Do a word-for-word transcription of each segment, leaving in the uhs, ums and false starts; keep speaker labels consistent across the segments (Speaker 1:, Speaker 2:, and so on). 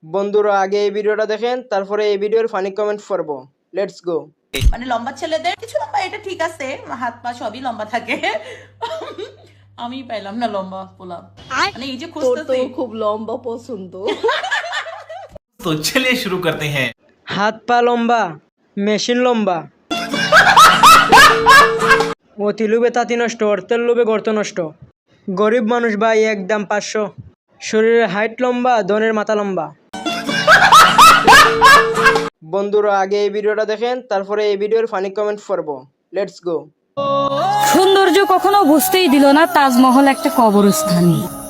Speaker 1: বন্ধুরা আগে এই ভিডিওটা দেখেন, তারপরে এই ভিডিওর ফানি কমেন্ট পড়ব। Let's go.
Speaker 2: মানে লম্বা ছেলেদের কিছু লম্বা, এটা ঠিক আছে, হাত পা সবই লম্বা থাকে। আমি পাইলাম না লম্বা পোলা, মানে এই যে খুঁজতেছি।
Speaker 3: খুব লম্বা পছন্দ।
Speaker 4: तो चलिए शुरू करते हैं।
Speaker 1: হাত পা লম্বা, মেশিন লম্বা। অতি লোভে তাঁতি নষ্ট, অর্থের লোভে গর্ত নষ্ট। গরিব মানুষ ভাই একদম পাঁচশো। শরীরের হাইট লম্বা, ধনের মাথা লম্বা। বন্ধুরা আগে এই ভিডিওটা দেখেন, তারপরে এই ভিডিওর ফানি কমেন্ট পড়ব। Let's go.
Speaker 5: সৌন্দর্য কখনো বুঝতেই দিল না তাজমহল একটা কবরস্থান।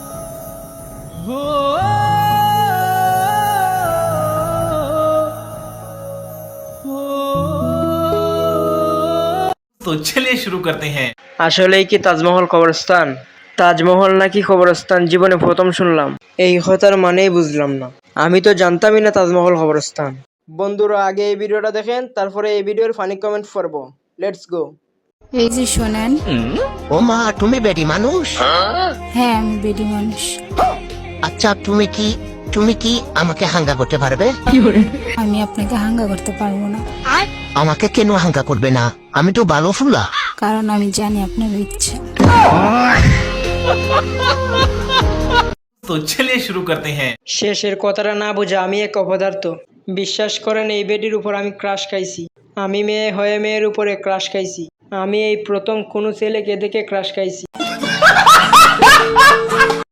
Speaker 4: तो चलिए शुरू करते हैं।
Speaker 1: আসলেই কি তাজমহল কবরস্থান? তাজমহল নাকি কবরস্থান জীবনে প্রথম শুনলাম। এই কথার মানেই বুঝলাম না। আমি তো জানতামই না তাজমহল কবরস্থান। বন্ধুরা আগে এই ভিডিওটা দেখেন, তারপরে এই ভিডিওর ফানি কমেন্ট পড়ব। Let's go.
Speaker 6: এই যে শোনেন,
Speaker 7: ও মা, তুমি বেডি মানুষ?
Speaker 6: হ্যাঁ আমি বেডি মানুষ।
Speaker 7: আচ্ছা, তুমি কি তুমি কি আমাকে হাঙ্গা করতে পারবে?
Speaker 6: আমি আপনাকে হাঙ্গা করতে পারবো না,
Speaker 7: আমাকে কেন হাঙ্গা করবে না? আমি তো ভালো ফুলা।
Speaker 6: কারণ আমি জানি আপনার ইচ্ছে।
Speaker 4: तो चलिए शुरू करते हैं।
Speaker 1: শেষের কথাটা না বোঝা আমি এক অপদার্থ। বিশ্বাস করেন এই বেডির উপর আমি ক্রাশ খাইছি। আমি মেয়ে হয়ে মেয়ের উপরে ক্রাশ খাইছি। আমি এই প্রথম কোনো ছেলেকে দেখে ক্রাশ খাইছি।